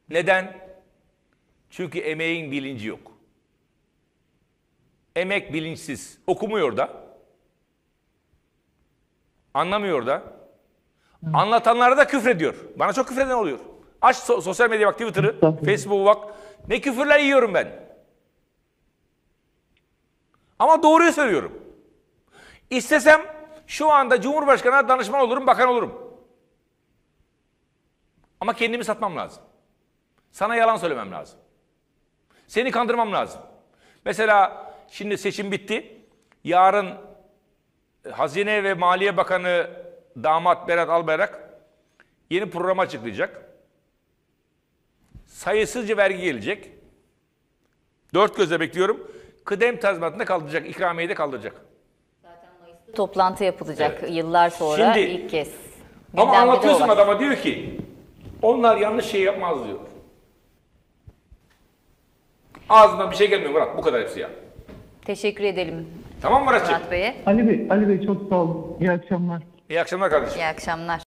Neden? Çünkü emeğin bilinci yok. Emek bilinçsiz. Okumuyor da. Anlamıyor da. Anlatanlara da küfrediyor. Bana çok küfreden oluyor. Aç sosyal medya bak, Twitter'ı, Facebook'u bak. Ne küfürler yiyorum ben. Ama doğruyu söylüyorum. İstesem şu anda Cumhurbaşkanı'na danışman olurum, bakan olurum. Ama kendimi satmam lazım. Sana yalan söylemem lazım. Seni kandırmam lazım. Mesela şimdi seçim bitti. Yarın Hazine ve Maliye Bakanı damat Berat Albayrak yeni program açıklayacak. Sayısızca vergi gelecek. Dört gözle bekliyorum. Kıdem tazminatını kaldıracak, ikramiyeyi de kaldıracak. Zaten Mayıs'ta toplantı yapılacak, Evet. yıllar sonra Şimdi, ilk kez. Ama Gündemde anlatıyorsun olan. adama, diyor ki onlar yanlış şey yapmaz diyor. Ağzından bir şey gelmiyor Murat, bu kadar hepsi ya. Teşekkür edelim Tamam mı Muratcığım? Murat Bey'e. Ali Bey çok sağ olun. İyi akşamlar. İyi akşamlar kardeşim. İyi akşamlar.